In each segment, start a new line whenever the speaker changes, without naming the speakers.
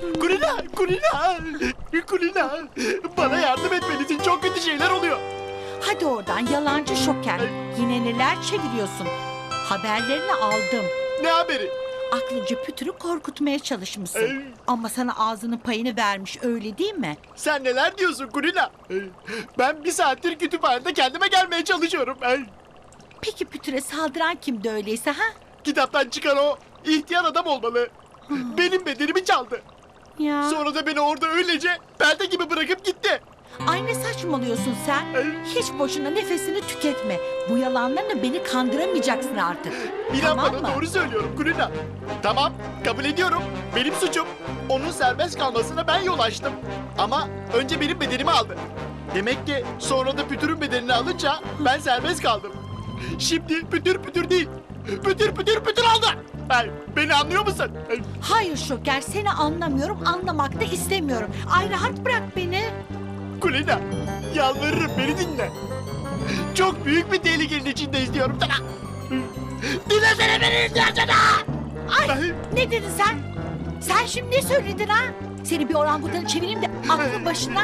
Kulina, Kulina, Kulina. Bana yardım etmelisin. Çok kötü şeyler oluyor.
Hadi oradan yalancı şoker. Yine neler çeviriyorsun? Haberlerini aldım.
Ne haberi?
Aklınca Pütür'ü korkutmaya çalışmışsın. Ama sana ağzının payını vermiş, öyle değil mi?
Sen neler diyorsun Kulina? Ben bir saattir kütüphanede kendime gelmeye çalışıyorum.
Peki Pütür'e saldıran kimdi öyleyse ha?
Kitaptan çıkan o ihtiyar adam olmalı. Benim bedenimi çaldı.
Ya.
Sonra da beni orada öylece perde gibi bırakıp gitti.
Ay ne saçmalıyorsun sen? Hiç boşuna nefesini tüketme. Bu yalanlarla beni kandıramayacaksın artık.
İnan
Tamam
bana
mı?
doğru söylüyorum Kulina. Tamam, kabul ediyorum. Benim suçum. Onun serbest kalmasına ben yol açtım. Ama önce benim bedenimi aldı. Demek ki sonra da Pütür'ün bedenini alınca ben serbest kaldım. Şimdi Pütür Pütür değil. Pütür Pütür Pütür aldı. Beni anlıyor musun?
Hayır şoker, seni anlamıyorum, anlamak da istemiyorum. Ay rahat bırak beni.
Kulina, yalvarırım beni dinle. Çok büyük bir tehlikenin içindeyiz diyorum sana. Dinlesene beni ihtiyacına.
Ay ne dedin sen? Sen şimdi ne söyledin ha? Seni bir orangutanı çevireyim de aklın başına.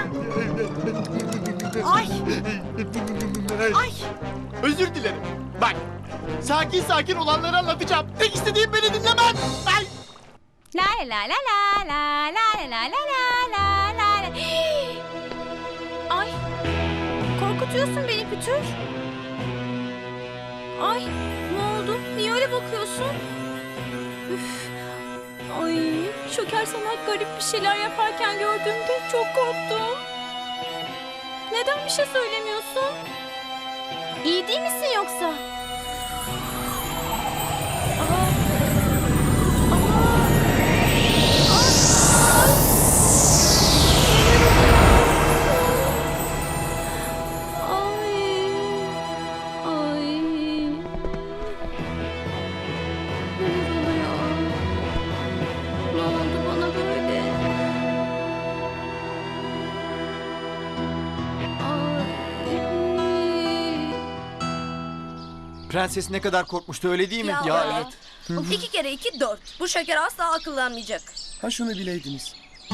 Ay. Ay.
Özür dilerim. Bak, sakin sakin olanları anlatacağım. Tek istediğim beni dinlemen. Ay.
La la la la la la la la la la la. Ay, korkutuyorsun beni Pütür. Ay, ne oldu? Niye öyle bakıyorsun? Üf. Ay, Şoker sana garip bir şeyler yaparken gördüğümde çok korktum. Neden bir şey söylemiyorsun? İyi değil misin yoksa? Aa. Ay. Ay. Neler oluyor? Ne oldu bana böyle? Ay.
Prenses ne kadar korkmuştu öyle değil mi?
Ya, evet. 2 kere 2 4. Bu şeker asla akıllanmayacak.
Ha şunu bileydiniz.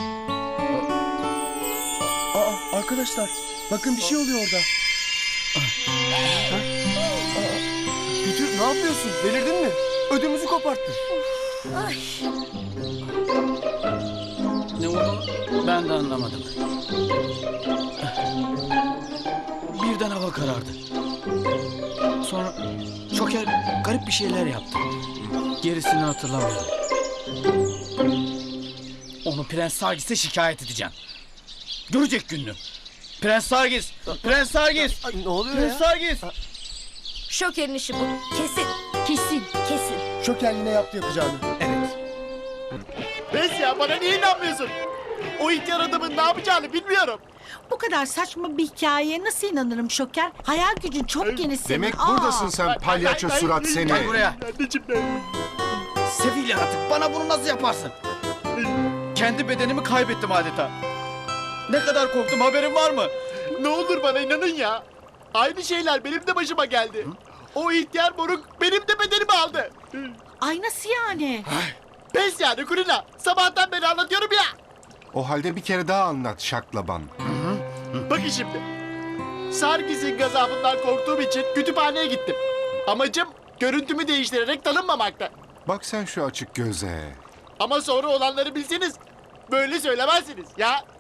Arkadaşlar bakın bir şey oluyor orada.
Pütür ne yapıyorsun? Delirdin mi? Ödümüzü koparttın.
Ay.
Ne oldu? Ben de anlamadım. Birden hava karardı. Sonra Şoker garip bir şeyler yaptı. Gerisini hatırlamıyorum. Onu Prens Sargis'e şikayet edeceğim. Görecek gününü. Prens Sargis! Prens Sargis!
Ay, ne oluyor
Prens
ya?
Sargis!
Şokerin işi bu. Kesin.
Kesin.
Kesin.
Şoker yine yaptı yapacağını.
Pes ya, bana niye inanmıyorsun? O ihtiyar adamın ne yapacağını bilmiyorum.
Bu kadar saçma bir hikayeye nasıl inanırım şoker? Hayal gücün çok geniş senin.
Demek
Aa.
buradasın sen palyaço surat seni.
Gel buraya.
Anneciğim ben.
Sefil yaratık, bana bunu nasıl yaparsın? Kendi bedenimi kaybettim adeta. Ne kadar korktum, haberin var mı?
Ne olur bana inanın ya. Aynı şeyler benim de başıma geldi. O ihtiyar moruk benim de bedenimi aldı.
Ay nasıl yani?
Pes yani Kulina. Sabahtan beri anlatıyorum ya.
O halde bir kere daha anlat şaklaban.
Bakın şimdi. Sargis'in gazabından korktuğum için kütüphaneye gittim. Amacım görüntümü değiştirerek tanınmamaktı.
Bak sen şu açık göze.
Ama sonra olanları bilseniz böyle söylemezsiniz. Ya